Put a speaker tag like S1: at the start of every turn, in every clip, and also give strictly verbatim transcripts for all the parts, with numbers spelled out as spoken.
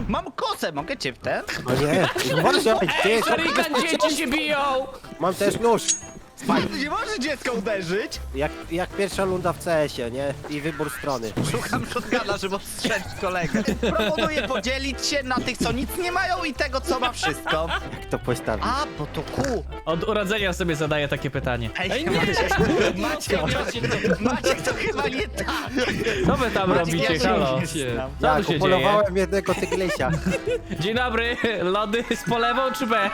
S1: Mam kosę, mogę cię w ten?
S2: No nie, uważaj, ty,
S3: Shuriken, dzieci się biją!
S2: mam też nóż.
S1: Nie możesz dziecka uderzyć.
S2: Jak, jak pierwsza lunda w C S ie, nie? I wybór strony.
S1: Szukam shotguna, żeby ostrzelić kolegę. Proponuję podzielić się na tych, co nic nie mają i tego, co ma wszystko.
S2: Jak to postawić?
S1: A, bo to kół.
S3: Od urodzenia sobie zadaję takie pytanie.
S1: Ej, Maciek, Maciek, Maciek, to chyba nie tak.
S3: Co wy tam
S1: Maciek,
S3: robicie,
S1: ja się
S3: halo?
S1: nie znam.
S3: Co
S2: Tak,
S3: tu się dzieje?
S2: upolowałem jednego tygrysia.
S3: Dzień dobry, lody z polewą czy bez?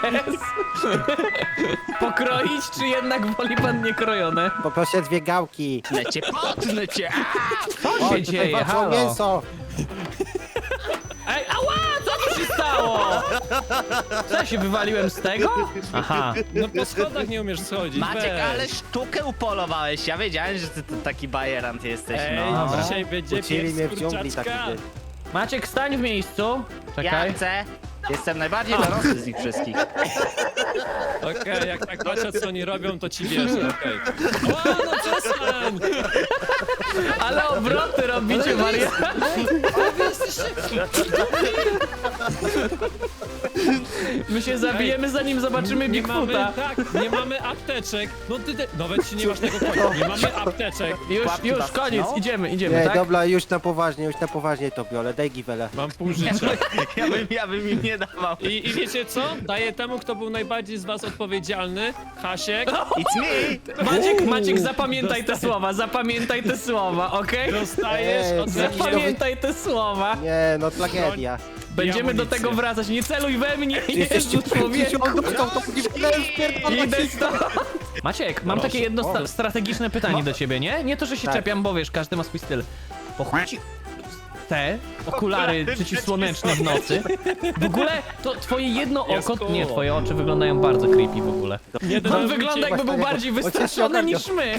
S3: Pokroić czy jednak woli pan niekrojone?
S2: Poproszę dwie gałki.
S1: Potnę cię, potnę cię.
S3: Co
S2: O,
S3: się
S2: tutaj
S3: dzieje,
S2: walczą
S3: halo?
S2: mięso.
S3: Ej, ała, co tu się stało? Co, ja się wywaliłem z tego? Aha.
S4: No po schodach nie umiesz schodzić,
S1: Maciek,
S4: weź.
S1: ale sztukę upolowałeś. Ja wiedziałem, że ty to taki bajerant jesteś,
S4: Ej,
S1: no.
S3: Dobra.
S4: dzisiaj będzie
S2: Uczyli mnie
S4: pies
S2: w dżungli taki
S4: kurczaczka.
S2: dzień.
S3: Maciek, stań w miejscu.
S1: Ja
S3: Czekaj.
S1: chcę. Jestem najbardziej dorosły z nich wszystkich.
S4: Okej, jak tak patrzę co oni robią, to ci wierzę, okej. O, no przestań!
S3: Ale obroty robicie, Maria. My się zabijemy, zanim zobaczymy
S4: Nie mamy,
S3: Bigfoota.
S4: tak, nie mamy apteczek. No ty, te, nawet się nie masz tego konia, nie mamy apteczek.
S3: Już,
S1: Łapki
S3: już,
S1: was
S3: koniec,
S1: tną?
S3: idziemy, idziemy,
S2: Nie,
S3: tak?
S2: dobra, już na poważnie, już na poważnie to biorę. Daj giwele.
S4: Mam pół życia.
S1: Ja bym, ja bym im nie dawał.
S4: I, I wiecie co? Daję temu, kto był najbardziej z was odpowiedzialny, Hasiek.
S1: It's me!
S3: Maciek, Maciek, zapamiętaj te słowa, zapamiętaj te słowa, okej?
S4: Dostajesz
S2: Ej,
S4: od
S2: jakiś
S3: Zapamiętaj te słowa.
S2: Nie, no tragedia.
S3: Będziemy do
S4: amunicję.
S3: tego wracać, nie celuj we mnie,
S2: Jesteście
S3: Jezu, człowieku.
S2: on dostał to giwele,
S3: Idę stąd. Maciek, mam takie jedno sta
S2: O.
S3: strategiczne pytanie do ciebie, nie? Nie to, że się
S2: Tak.
S3: czepiam, bo wiesz, każdy ma swój styl. Po chuj ci te okulary przeciwsłoneczne w nocy. W ogóle to twoje jedno
S4: Jest
S3: oko,
S4: cool.
S3: nie, twoje oczy wyglądają bardzo creepy w ogóle.
S4: Nie
S3: On
S4: denerwujcie
S3: wygląda jakby był
S2: Właśnie
S3: bardziej
S2: jego-
S3: wystraszony
S2: Ojciec się
S3: niż my.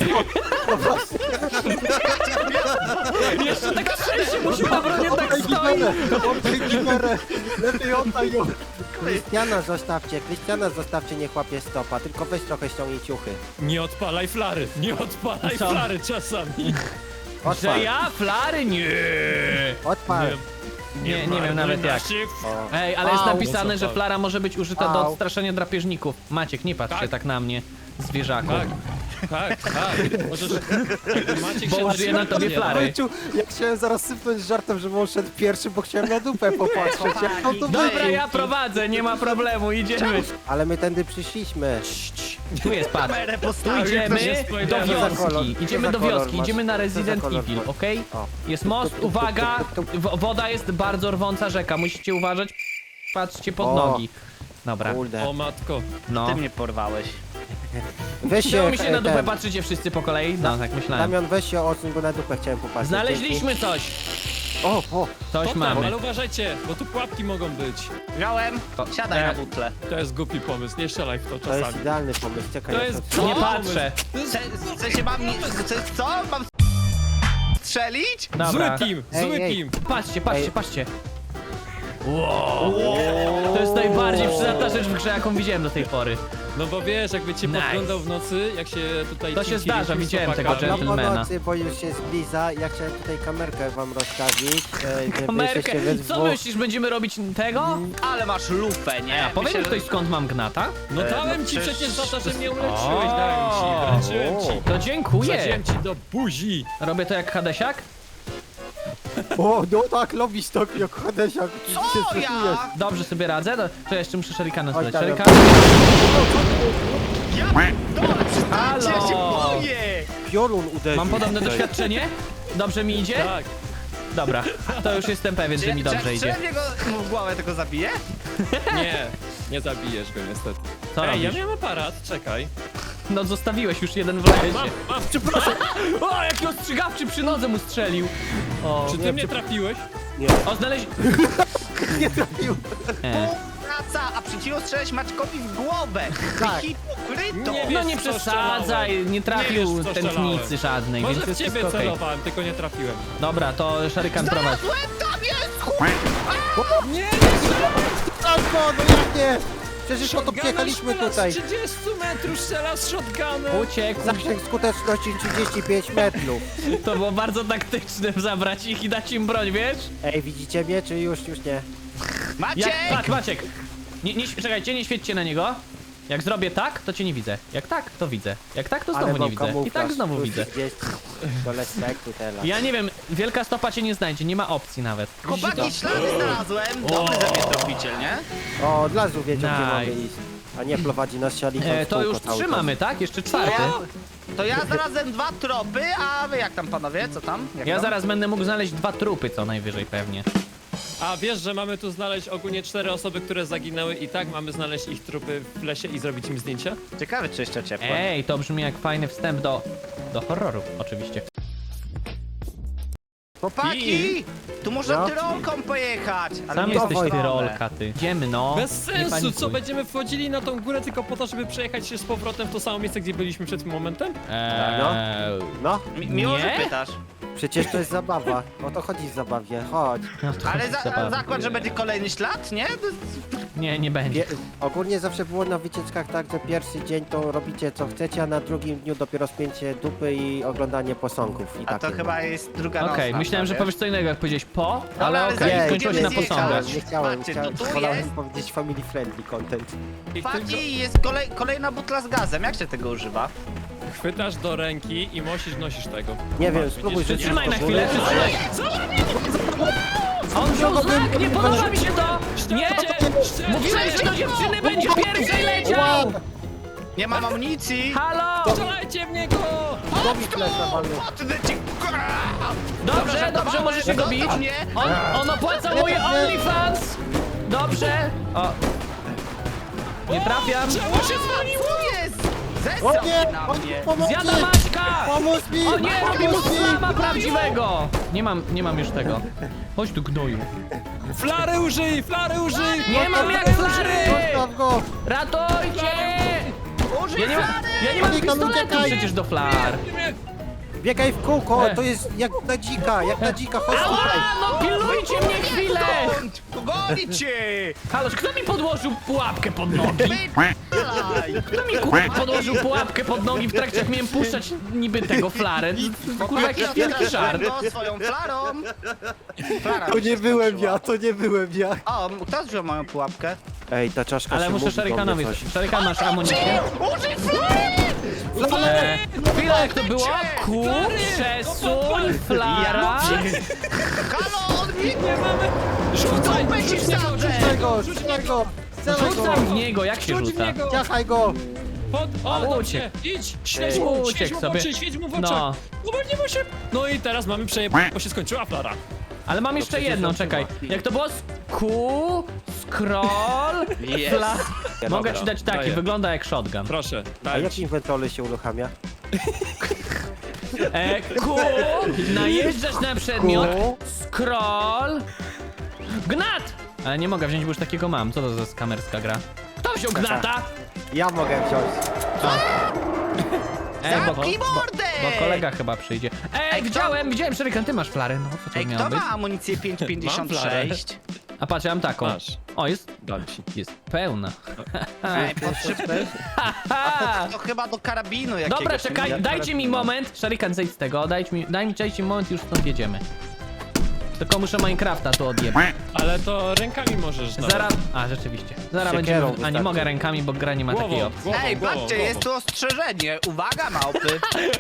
S3: Jeszcze tak szczęście musimy na bronie tak
S2: Daj
S3: stoi.
S2: giwele, oddaj giwele. Lepiej oddaj ją. Krystiana zostawcie, Krystiana zostawcie, nie chłapie stopa, tylko weź trochę ściągnij ciuchy.
S4: Nie odpalaj flary, nie odpalaj
S3: Co?
S4: flary czasami.
S3: Że
S2: Odpal,
S3: ja? Flary? Nie.
S2: odpal.
S3: Nie, nie wiem nawet jak.
S2: O.
S3: Ej, ale jest
S2: Au.
S3: napisane, że flara może być użyta do
S2: Au.
S3: odstraszenia drapieżników. Maciek, nie patrz się
S4: Tak.
S3: tak na mnie, zwierzaku.
S4: Tak, tak, tak. Możesz... jakby Maciek
S3: Bo
S4: się
S3: użyję na tobie
S4: zaczyna-
S3: flary.
S2: Ojciu, ja chciałem zaraz sypnąć żartem, żeby on szedł pierwszy, bo chciałem na dupę popatrzeć. Jak on to
S3: Dobra,
S2: wyjdzie?
S3: ja prowadzę, nie ma problemu, idziemy.
S2: Ale my tędy przyszliśmy.
S3: Tu jest, patrz.
S1: Kamerę
S3: Tu
S1: postawił.
S3: idziemy
S4: ktoś jest
S3: do
S4: spoilerem.
S2: Co za kolor?
S3: wioski.
S2: Co
S3: Idziemy
S2: za
S3: do
S2: kolor
S3: wioski,
S2: masz?
S3: idziemy na
S2: Co za
S3: Resident
S2: kolor
S3: Evil,
S2: masz?
S3: okej?
S2: O.
S3: Jest most, uwaga, w- woda jest bardzo rwąca rzeka, musicie uważać. Patrzcie pod
S2: O.
S3: nogi. Dobra,
S2: Kurde.
S4: O matko.
S3: no.
S1: Ty mnie porwałeś.
S2: Weź się,
S3: Czemu mi się na
S2: e,
S3: dupę
S2: ten,
S3: patrzycie wszyscy po kolei? No, tak myślałem.
S2: Damian, weź się odsuń, bo na dupę chciałem popatrzeć.
S3: Znaleźliśmy coś.
S2: Dzięki. O, o,
S3: Coś
S4: To tam,
S3: mamy.
S4: ale uważajcie, bo tu pułapki mogą być.
S1: Wziąłem. Siadaj
S3: E.
S1: na butle.
S4: To jest głupi pomysł, nie strzelaj w to
S2: to jest
S4: czasami.
S2: idealny pomysł, czekaj.
S4: To
S2: ja
S4: jest-
S2: to-
S3: Nie
S4: O,
S3: patrzę.
S1: Chce, chce się mam... Chce, co? Mam strzelić?
S3: Dobra.
S4: Zły team,
S2: Ej,
S4: zły
S2: ej.
S4: team.
S3: Patrzcie, patrzcie,
S2: Ej.
S3: patrzcie. Wow. To jest najbardziej przydatna rzecz w grze, jaką widziałem do tej pory.
S4: No bo wiesz, jakby cię
S3: Nice.
S4: podglądał w nocy, jak się tutaj...
S3: To się
S4: cinki
S3: zdarza,
S4: rzucił z
S3: widziałem tego
S4: chłopakami.
S2: No
S3: gentlemana.
S2: po nocy, bo już się zbliża. Ja chciałem tutaj kamerkę wam rozstawić. e, żeby
S3: Kamerkę.
S2: jesteście we
S3: Co
S2: dwóch.
S3: myślisz, będziemy robić tego?
S1: Ale masz lupę, nie?
S3: A powiem
S1: Myślę,
S3: ktoś skąd mam gnata?
S4: No
S1: E,
S4: dałem
S1: no
S4: ci
S1: przecież-
S4: przecież za to, że mnie
S3: O.
S4: uleczyłeś, dałem ci, wręczyłem ci.
S3: To dziękuję.
S4: Wsadziłem ci do buzi.
S3: Robię to jak Hadesiak?
S2: O, no tak, lubisz to, jak Hadesiak. ty się
S1: Co
S2: stresujesz.
S1: ja?
S3: Dobrze sobie radzę? No, to jeszcze muszę Shurikana
S2: Chodź,
S3: zdać.
S2: Damian.
S3: Shurikan.
S1: Ja? Dobra, przestańcie, ja się
S3: Halo.
S1: boję!
S2: Piorun uderzył.
S3: Mam podobne
S2: tutaj.
S3: doświadczenie? Dobrze mi idzie?
S4: Tak.
S3: Dobra, to już jestem pewien, że mi dobrze
S1: czy,
S3: idzie.
S1: Czy ja go w głowę tylko zabiję?
S4: Nie, nie zabijesz go niestety.
S3: Co
S4: Ej, ja
S3: robisz?
S4: miałem aparat, czekaj.
S3: No zostawiłeś już jeden w lesie.
S4: Mam, mam, przepraszam.
S3: O, jaki ostrzegawczy przy nodze mu strzelił. O,
S4: Czy ty mnie trafiłeś?
S3: o znaleźć...
S2: Nie trafił.
S3: E.
S1: Praca, a przeciwko strzelać Maćkowi w głowę!
S2: Tak.
S1: Hipokryto!
S4: Nie
S3: No
S4: wiesz,
S3: nie
S4: co
S3: przesadzaj,
S4: strzelałem.
S3: nie trafił
S4: Nie wiesz, co
S3: tętnicy
S4: strzelałem.
S3: żadnej,
S4: Może
S3: więc
S4: w
S3: jest
S4: ciebie
S3: wszystko okej.
S4: celowałem, tylko nie trafiłem.
S3: Dobra, to Shurikan prowadzi.
S1: Znalazłem, tam jest! chuj!
S4: Nie, nie,
S2: Albo, no jak nie? Przecież po to przyjechaliśmy tutaj.
S4: Z trzydziestu metrów strzela z shotgunem.
S3: Uciekł.
S2: Zasięg skuteczności trzydzieści pięć metrów.
S3: To było bardzo taktyczne zabrać ich i dać im broń, wiesz?
S2: Ej, widzicie mnie, czy już, już nie?
S1: Maciek!
S3: Jak, tak, Maciek! Nie, nie, czekajcie, nie świećcie na niego. Jak zrobię tak, to cię nie widzę. Jak tak, to widzę. Jak tak, to
S2: Ale
S3: znowu
S2: mam
S3: nie widzę. I
S2: kamuflaż,
S3: tak znowu
S2: plus
S3: widzę.
S2: trzydzieści do respektu teraz.
S3: Ja nie wiem, wielka stopa cię nie znajdzie, nie ma opcji nawet. Widzicie to?
S1: Chłopaki, ślady znalazłem. Dobry ze mnie tropiciel, nie?
S2: O, od razu wiedział, gdzie
S3: Nice.
S2: mamy iść. A nie prowadzi nas sialiką
S3: E,
S2: w
S3: to
S2: kółko
S3: już
S2: cały
S3: trzy
S2: czas.
S3: mamy, tak? Jeszcze czwarty.
S1: To ja znalazłem dwa tropy, a wy jak tam panowie? Co tam? Jak
S3: Ja
S1: tam?
S3: zaraz będę mógł znaleźć dwa trupy co najwyżej pewnie.
S4: A wiesz, że mamy tu znaleźć ogólnie cztery osoby, które zaginęły i tak mamy znaleźć ich trupy w lesie i zrobić im zdjęcia?
S1: Ciekawe, czy jeszcze ciepło.
S3: Ej, to brzmi jak fajny wstęp do... do horroru, oczywiście.
S1: Chłopaki! Tu można
S2: No.
S1: tyrolką pojechać! Ale
S3: Sam
S1: nie
S3: jesteś
S1: w tą stronę.
S3: tyrolka, ty. Idziemy, no.
S4: Bez
S3: Nie
S4: sensu,
S3: panikuj.
S4: co będziemy wchodzili na tą górę tylko po to, żeby przejechać się z powrotem w to samo miejsce, gdzie byliśmy przed tym momentem?
S3: Eee,
S2: No,
S1: Mi miło, że
S3: Nie?
S1: pytasz.
S2: przecież to jest zabawa. O to chodzi w zabawie, chodź.
S3: no to
S1: Ale za,
S3: zabawne.
S1: zakład, że będzie kolejny ślad, nie?
S3: Nie, nie będzie.
S2: Pie ogólnie zawsze było na wycieczkach tak, że pierwszy dzień to robicie co chcecie, a na drugim dniu dopiero spięcie dupy i oglądanie posągów. I
S1: A to
S2: takie.
S1: chyba jest druga
S3: Okej,
S1: nocna,
S3: myślałem, że
S1: wiesz?
S3: powiesz co innego, jak powiedziałeś po,
S1: Dobra,
S3: ale
S1: ale
S3: okej,
S1: zanim
S3: skończyło się na
S1: będziemy
S3: posągach.
S1: zjechać-
S2: Nie chciałem,
S1: Patrzcie,
S2: chciałem,
S1: to tu
S2: wolałem
S1: jest-
S2: powiedzieć family friendly content.
S4: I tylko
S1: Faki, jest kolej, kolejna butla z gazem. Jak się tego używa?
S4: chwytasz do ręki i musisz, nosisz tego.
S2: Nie wiem,
S4: Masz,
S2: spróbuj
S4: widzisz,
S2: rzucić
S3: Przytrzymaj
S2: do
S3: na
S2: góry.
S3: chwilę, przytrzymaj! On wziął znak, nie podoba mi się to! Nie! Mówiłem, że do dziewczyny będzie pierwszej leciał!
S1: Nie mam amunicji!
S3: Halo!
S4: Strzelajcie w niego!
S2: Dobij flesza, walny.
S1: Potnę ci!
S3: Dobrze, dobrze, możesz się go bić.
S1: Nie!
S3: On, on opłaca moje OnlyFans! Dobrze! O. Nie trafiam.
S4: Czemu się zwaliło?
S1: Co jest?
S2: O
S1: Zesrał
S2: nie!
S1: się na
S2: O,
S1: mnie!
S2: pomocy!
S3: Zjada Maćka!
S2: Pomóż mi!
S3: O nie, robi mu
S2: Pomóż mi!
S3: slama prawdziwego! Nie mam, nie mam już tego. Chodź tu gnoju.
S4: Flary użyj, flary użyj!
S3: Nie mam jak flary!
S2: Zostaw go!
S3: Ratujcie!
S1: Użyj
S3: Ja nie mam,
S1: flary!
S3: ja nie mam
S2: Uciekaj,
S3: pistoletu
S2: uciekaj!
S3: przecież do flar.
S2: Biegaj w kółko,
S3: E.
S2: to jest jak na dzika, jak na dzika, chodź tutaj!
S3: Ała, no pilnujcie mnie chwilę!
S1: Skąd? Pogoni cię!
S3: Haloż, kto mi podłożył pułapkę pod nogi?
S1: Wypalaj!
S3: Kto mi kurwa podłożył pułapkę pod nogi w trakcie jak miałem puszczać niby tego flarę? Kurwa jakiś wielki żart.
S1: Go swoją flarą! Flara
S2: To
S1: mi się
S2: nie byłem
S1: skończyła.
S2: ja, to nie byłem ja!
S1: O, kto wziął moją pułapkę?
S2: Ej, ta czaszka
S3: Ale
S2: się
S3: muszę
S2: mówi do
S3: Szarykanowi...
S2: mnie coś.
S3: Szarykan, masz amunicję?
S1: Użyj flary!
S3: Eee, chwila, jak to było? Ku, przesuń, flara...
S1: Halo, on mi...
S4: Nie mamy! Rzucaj!
S1: Dupę ci
S4: Rzuć w niego,
S1: wsadzę!
S2: Rzucaj go, rzucaj go! Strzelaj go!
S3: Rzucam w niego, jak się
S4: Rzuć w
S3: rzuca?
S4: niego!
S2: Ciachaj go!
S4: Pod... O,
S3: Ale
S4: dobrze!
S3: uciekł.
S4: Idź! Świeć
S3: Ej,
S4: mu,
S3: uciekł
S4: świeć mu w
S3: sobie.
S4: oczy, świeć mu w oczy!
S3: No.
S4: No, nie mu się... No i teraz mamy przejeb... bo się skończyła flara.
S3: Ale mam jeszcze
S2: przecież
S3: jedną,
S2: on
S3: czekaj.
S2: chyba.
S3: Jak to było? Ku, scroll,
S1: Jest.
S3: fla... Mogę
S4: Dobra,
S3: ci dać taki,
S4: daję.
S3: wygląda jak shotgun.
S4: Proszę,
S2: A
S4: daj.
S2: jak inwentory się uruchamia?
S3: E, ku, najeżdżasz na przedmiot,
S2: Ku.
S3: scroll, gnat! Ale nie mogę wziąć, bo już takiego mam. Co to za skamerska gra? Kto wziął gnata?
S2: Ja mogę wziąć.
S3: Ej, bo, bo,
S1: Zamknij mordę!
S3: bo kolega chyba przyjdzie. Ej,
S1: Ej, kto-
S3: widziałem, widziałem, Szerykan, ty masz flarę. No, co to
S1: Ej,
S3: miało
S1: kto
S3: być?
S1: ma amunicję pięć pięćdziesiąt sześć?
S3: A patrz, ja mam taką.
S4: Masz.
S3: O, jest,
S4: Dam ci.
S3: jest pełna.
S1: Ej, potrzebny.
S3: Ha!
S1: To chyba do karabinu jakiegoś.
S3: Dobra,
S1: nie?
S3: czekaj,
S1: Ja
S3: dajcie mi
S1: karabinu.
S3: moment. Sharikan, zejdź z tego, dajcie mi, daj mi, dajcie mi moment i już stąd jedziemy. Tylko muszę Minecrafta tu odjebać.
S4: Ale to rękami możesz nawet.
S3: Zaraz, a rzeczywiście. Zaraz
S2: Siekierą
S3: będziemy, a nie
S2: wystarczy.
S3: mogę rękami, bo gra nie ma takiej
S4: Głową,
S3: opcji.
S4: głową,
S1: Ej,
S4: głową,
S1: patrzcie,
S4: głową.
S1: jest tu ostrzeżenie. Uwaga, małpy.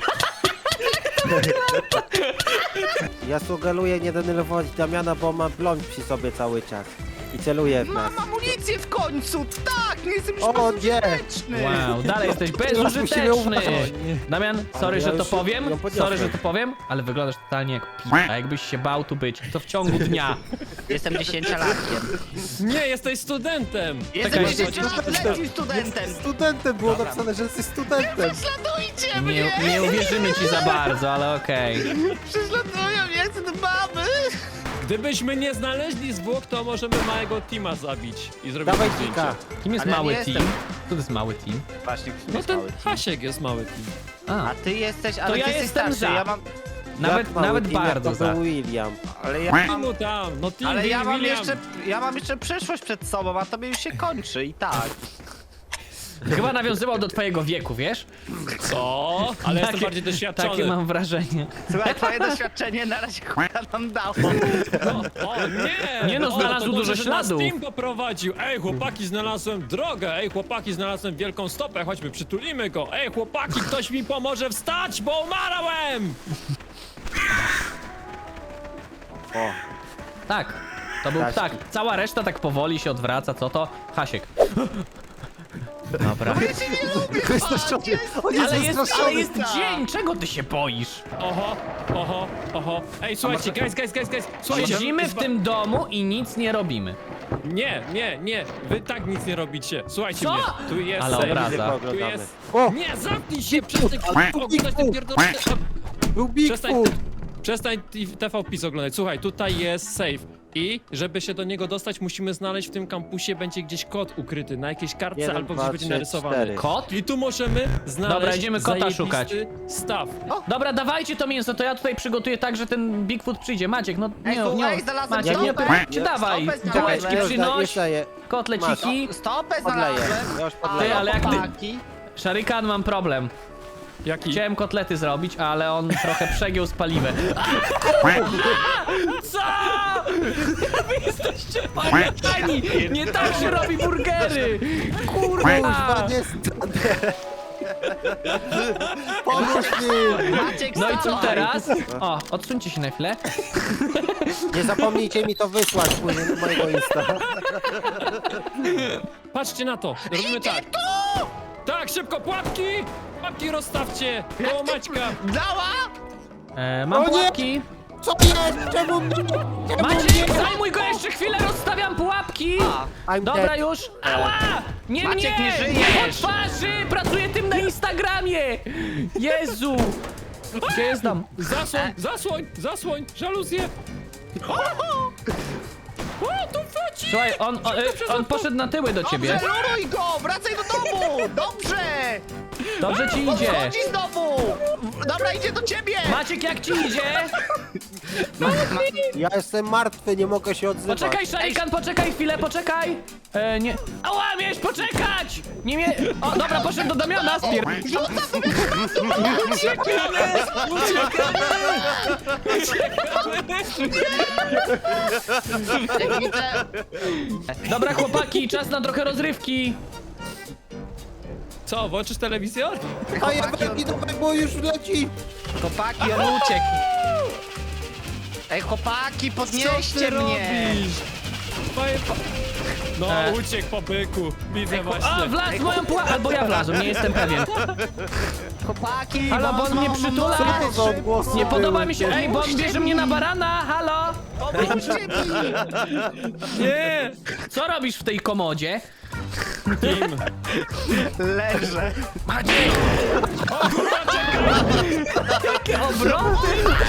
S2: Ja sugeruję nie denerwować Damiana, bo ma broń przy sobie cały czas. I celuje w nas.
S1: Mam amunicję w końcu. Tak, nie jestem już
S2: O, nie.
S1: bezużyteczny.
S3: Wow, dalej jesteś
S2: musimy
S3: bezużyteczny.
S2: uważać.
S3: Damian, sorry,
S2: ja
S3: że to
S2: już
S3: powiem,
S2: ją podniosłem.
S3: sorry, że to powiem, ale wyglądasz totalnie jak pi... A jakbyś się bał tu być, to w ciągu dnia.
S1: Jestem dziesięciolatkiem.
S4: Nie, jesteś studentem!
S1: Jestem
S3: Czekaj.
S1: dziesięcioletnim studentem.
S2: Studentem było
S1: Dobra.
S2: napisane, że jesteś studentem.
S1: Prześladujcie
S3: Nie,
S1: mnie!
S3: nie uwierzymy ci za bardzo, ale okej.
S1: Prześladują mnie, chcę do baby!
S4: Gdybyśmy nie znaleźli zwłok, to możemy małego teama zabić i zrobić
S2: Dawaj
S4: zdjęcie.
S2: dzika.
S3: Kim jest
S1: Ale ja
S3: mały
S1: nie
S3: team?
S1: jestem.
S3: Co to jest mały team?
S1: Właśnie,
S4: No ten Hasiek jest mały team.
S3: A,
S1: A ty jesteś, ale
S3: ja
S1: ty jesteś
S3: jestem
S1: starszy,
S3: za.
S1: ja mam...
S3: nawet,
S2: Jak mały
S3: nawet
S2: team, jak
S3: bardzo
S2: to
S3: za.
S2: był William.
S1: Ale ja mam...
S4: Teamu tam, no team
S1: Ale ja
S4: Will
S1: mam
S4: William.
S1: jeszcze, ja mam jeszcze przyszłość przed sobą, a tobie już się kończy i tak.
S3: Chyba nawiązywał do twojego wieku, wiesz?
S4: Co? Ale jestem
S3: Takie-
S4: bardziej doświadczony.
S3: Takie mam wrażenie.
S1: Słuchaj, twoje doświadczenie na razie chuja nam dało.
S4: O, o nie!
S3: Nie no,
S4: O,
S3: znalazł
S4: to
S3: dużo
S4: dobrze, że nas
S3: śladów.
S4: Team poprowadził. Ej, chłopaki, znalazłem drogę. Ej, chłopaki, znalazłem wielką stopę. Chodźmy, przytulimy go. Ej, chłopaki, ktoś mi pomoże wstać, bo umarłem!
S2: O,
S3: Tak, to był
S2: Ptaszki.
S3: ptak. Cała reszta tak powoli się odwraca, co to? Hasiek. Dobra.
S2: wystraszony. On jest
S3: Ale jest, ale
S2: wystraszony.
S3: jest dzień, czego ty się boisz?
S4: Oho, oho, oho. Ej, słuchajcie, guys, guys, guys, guys. Słuchajcie,
S3: Siedzimy w
S4: zwa-
S3: tym domu i nic nie robimy.
S4: Nie, nie, nie. Wy tak nic nie robicie. Słuchajcie
S3: Co?
S4: mnie. Tu jest
S3: Ale
S4: safe.
S3: obraza.
S4: Tu
S2: Oglądamy.
S4: jest...
S2: O!
S4: Nie, zamknij się! Przestań oglądać ten pierdolony...
S2: Był
S4: Przestań,
S2: Bigfoot.
S4: przestań T V PiS oglądać. Słuchaj, tutaj jest safe. I żeby się do niego dostać, musimy znaleźć w tym kampusie, będzie gdzieś kod ukryty na jakiejś kartce
S2: Jeden,
S4: albo
S2: dwa,
S4: gdzieś będzie
S2: trzy,
S4: narysowany.
S2: cztery.
S3: Kot?
S4: I tu możemy znaleźć
S3: Dobra, idziemy kota
S4: zajebisty
S3: szukać.
S4: staw.
S3: Dobra, dawajcie to mięso, to ja tutaj przygotuję tak, że ten Bigfoot przyjdzie. Maciek, no
S1: Ej,
S3: nie,
S1: słuchaj,
S3: nie,
S1: znalazłem
S3: Maciek, nie
S1: stopę.
S3: opytajcie, dawaj.
S1: Stopę znalazłem.
S3: Bułeczki
S2: Już da-
S3: przynoś,
S2: już daję.
S3: kotleciki.
S1: Stopę
S2: Podleję.
S1: znalazłem.
S2: Ja już
S3: Ty,
S2: podleję.
S3: ale jak ty...
S1: Chłopaki.
S3: Szarykan, mam problem.
S4: Jaki?
S3: Chciałem kotlety zrobić, ale on trochę przegiął z paliwem. Co? Wy jesteście pamiętani! Nie tak się robi burgery! Kurwa!
S2: Kurwa, nie stanę. Pomóż mi.
S1: Maciek,
S3: No i co
S1: wstawaj.
S3: teraz? O, odsuńcie się na chwilę.
S2: Nie zapomnijcie mi to wysłać później na mojego Insta.
S4: Patrzcie na to. Robimy tak. Tak, szybko, pułapki! Pułapki rozstawcie! Koło Maćka!
S1: Dała?
S3: E, mam
S2: O nie!
S3: pułapki.
S2: Co jest? Czemu mnie? Czemu
S3: Maciek,
S2: mnie?
S3: zajmuj go jeszcze chwilę, rozstawiam pułapki!
S2: I'm
S3: Dobra
S2: dead.
S3: już! Ała! Nie
S1: Maciek,
S3: mnie!
S1: nie żyjesz!
S3: Nie po twarzy! Pracuję tym na Instagramie! Jezu! Gdzie jest tam?
S4: Zasłoń, zasłoń, zasłoń! Żaluzję! O, tu wchodzi!
S3: Słuchaj, on, on, e, on poszedł na tyły do ciebie.
S1: Dobrze, luruj go! Wracaj do domu! Dobrze!
S3: Dobrze ci
S1: On
S3: idzie.
S1: wchodzi znowu! Dobra, idzie do ciebie!
S3: Maciek, jak ci idzie?
S2: Ja jestem martwy, nie mogę się odzywać.
S3: Poczekaj, Szarikan, poczekaj chwilę, poczekaj! E, nie... Ała, miałeś poczekać! Nie mie... O, dobra, poszedł do Damiana, spier...
S1: Rzucam
S4: Uciekamy! Uciekamy!
S1: Jak widzę...
S3: Dobra, chłopaki, czas na trochę rozrywki.
S4: Co, włączysz telewizor?
S2: A ja będę do bo już leci.
S1: Chłopaki, on uciekł. Ej, chłopaki, podnieście mnie!
S4: Twoje pa... No,
S3: E.
S4: uciekł po byku. Widzę
S3: A,
S4: właśnie.
S3: wlazł w moją pułapkę, albo ja wlazłem, nie jestem pewien.
S1: Chłopaki,
S3: Halo, bo on mnie
S1: mocno,
S3: przytula.
S2: Co to za odgłosy
S3: Nie podoba
S2: były?
S3: mi się, ej, bo on bierze mnie na barana, halo?
S1: Pomóżcie mi!
S4: Nie!
S3: Co robisz w tej komodzie?
S4: Kim?
S1: Leżę.
S3: Jakie obroty!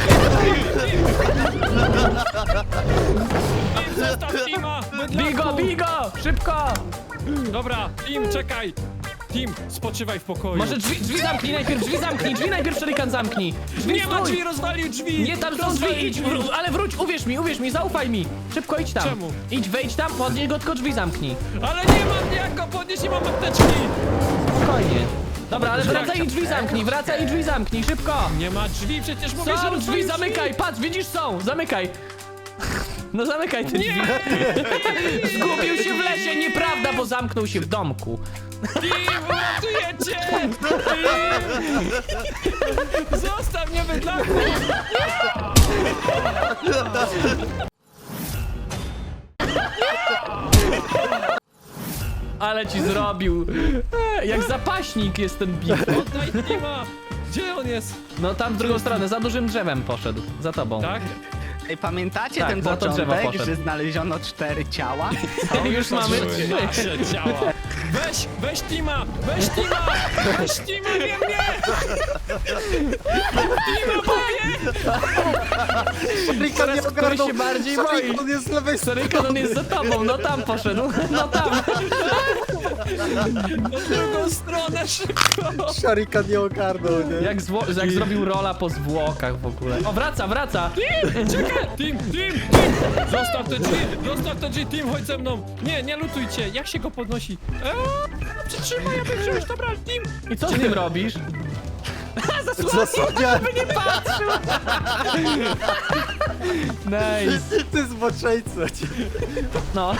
S4: Tim, zostaw Tima! bydlaku!
S3: Bigo, bigo, szybko!
S4: Dobra, Tim, czekaj! Tim, spoczywaj w pokoju.
S3: Może drzwi, drzwi zamknij najpierw, drzwi zamknij, drzwi najpierw, Szarikan zamknij. Drzwi
S4: Nie ma
S3: stój.
S4: drzwi, rozwalił drzwi!
S3: Nie, tam są
S4: Rozwalił
S3: drzwi, idź, wró- ale wróć, uwierz mi, uwierz mi, zaufaj mi. Szybko idź tam.
S4: Czemu?
S3: Idź, wejdź tam, podnieś go, tylko drzwi zamknij.
S4: Ale nie mam jak go podnieść, nie mam apteczki!
S3: Spokojnie. Dobra, ale wracaj i drzwi zamknij, wracaj i drzwi zamknij, szybko.
S4: Nie ma drzwi, przecież mówię, że
S3: Są drzwi,
S4: rozwalił
S3: zamykaj, patrz, widzisz, są, zamykaj. No zamykaj te drzwi. Zgubił się w lesie, nieprawda, bo zamknął się w domku.
S4: Tim, uratujecie! Tim! Zostaw mnie, bydlaku!
S3: Ale ci zrobił. E, Jak zapaśnik jest ten big.
S4: Oddaj Tima! Gdzie on jest?
S3: No tam w drugą stronę, za dużym drzewem poszedł. Za tobą.
S4: Tak?
S1: Ej, pamiętacie
S3: Tak,
S1: ten
S3: za to drzewo
S1: początek,
S3: poszedł.
S1: że znaleziono cztery ciała?
S3: Już mamy
S4: Trzy
S3: trzy.
S4: nasze ciała. Weź, weź Tima! Weź Tima! Weź Tima, nie mnie! Tima, powie!
S2: Szarikan nie
S3: Który
S2: ogarnął.
S3: się bardziej boi.
S2: Szarikan jest z lewej strony.
S3: Szarikan, on jest za tobą, no tam poszedł, no tam.
S4: Na drugą stronę, szybko!
S2: Szarikan nie ogarnął, nie?
S3: Jak, zwo- jak zrobił rola po zwłokach w ogóle. O, wraca, wraca.
S4: Tim, czekaj! Tim, Tim, Tim! Zostaw te drzwi! Zostaw te drzwi, Tim, chodź ze mną! Nie, nie lutujcie! Jak się go podnosi? Przytrzymaj, aby wziąć, dobra, Tim.
S3: I co z tym robisz?
S2: Zasłania!
S3: Żeby nie patrzył! Nice.
S2: Ty zboczeńco!
S3: No.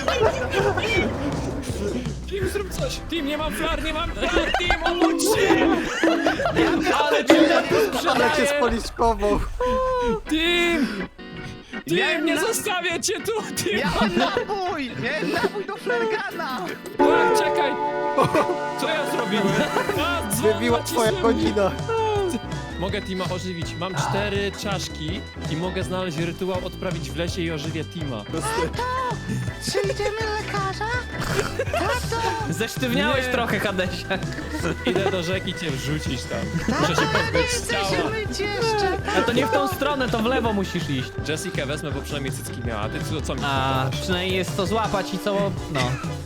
S4: Tim, zrób coś. Tim, nie mam flar, nie mam flar, Tim, obudź się.
S3: Ale ci
S2: Ale cię
S3: sprzedaję!
S2: spoliczkował!
S4: Tim! Tim,
S1: Miałem
S4: nie
S1: na-
S4: zostawię cię tu, Tim.
S1: Miałem nabój! Miałem nabój do flergana!
S4: A, czekaj. Co ja zrobiłem? A, dzwon
S2: Wybiła twoja
S4: nacisnąłem.
S2: godzina!
S4: Mogę Tima ożywić. Mam cztery czaszki i mogę znaleźć rytuał, odprawić w lesie i ożywię Tima.
S1: Czy idziemy lekarza?
S3: Zesztywniałeś
S4: Nie.
S3: trochę, Hadesia.
S4: Idę do rzeki cię wrzucić tam. Muszę się pozbyć ciała.
S1: myć jeszcze!
S3: A to nie w tą stronę, to w lewo musisz iść.
S4: Jessikę wezmę, bo przynajmniej cycki miała. A ty co, co mi
S3: A
S4: powiadasz?
S3: przynajmniej jest to złapać i co... no.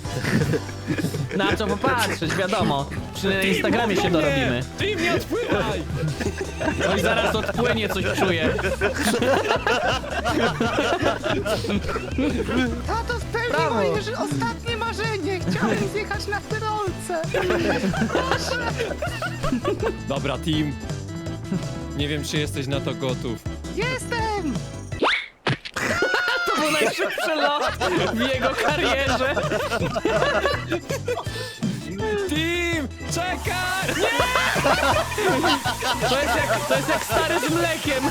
S3: Na co popatrzeć, wiadomo. Przy na Instagramie się
S4: Tim,
S3: dorobimy.
S4: Tim, nie odpływaj!
S3: No i zaraz odpłynie, coś czuję.
S1: Tato spełnił
S3: Brawo.
S1: moje ży- ostatnie marzenie! Chciałem zjechać na tyrolce!
S4: Dobra, Tim. Nie wiem, czy jesteś na to gotów.
S1: Jestem!
S3: To był najszybszy lot w jego karierze.
S4: Tim! Czekaj! Nie!
S3: To jest jak, to jest jak stary z mlekiem.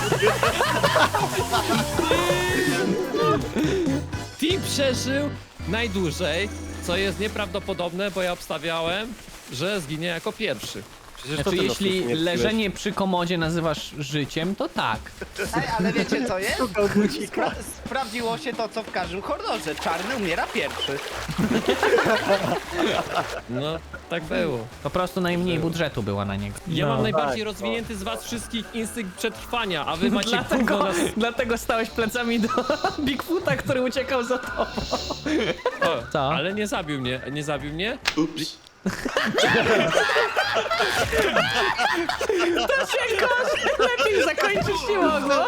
S4: Tim przeżył najdłużej, co jest nieprawdopodobne, bo ja obstawiałem, że zginie jako pierwszy.
S2: Przecież
S3: Znaczy,
S2: ty
S3: jeśli
S2: losów nie
S3: leżenie przy komodzie nazywasz życiem, to tak.
S1: Ej, ale wiecie co jest?
S2: Szukał bucika.
S1: Spra- sprawdziło się to, co w każdym horrorze. Czarny umiera pierwszy.
S4: No, tak było.
S3: Po prostu najmniej budżetu była na niego.
S4: Ja
S3: No.
S4: mam najbardziej
S2: tak,
S4: rozwinięty z was wszystkich instynkt przetrwania, a wy macie
S3: Dlatego,
S4: gówno na...
S3: dlatego stałeś plecami do Bigfoota, który uciekał za tobą.
S4: O,
S3: Co?
S4: ale nie zabił mnie, nie zabił mnie?
S3: To się gorzej, lepiej zakończyć nie mogło.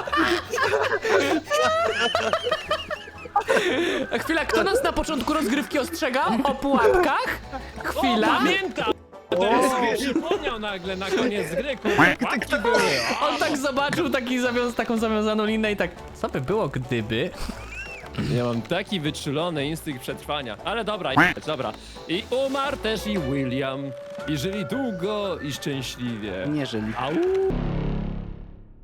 S3: Chwila, kto nas na początku rozgrywki ostrzegał? O pułapkach?
S4: O,
S3: Chwila.
S4: pamiętam! Teraz sobie przypomniał nagle na koniec gry, kurwa, były.
S3: On tak zobaczył taki zawią- taką zawiązaną linę i tak, co by było gdyby?
S4: Ja mam taki wyczulony instynkt przetrwania. Ale dobra, i- dobra. I umarł też i William. I żyli długo i szczęśliwie.
S1: Nie żyli.
S4: Au!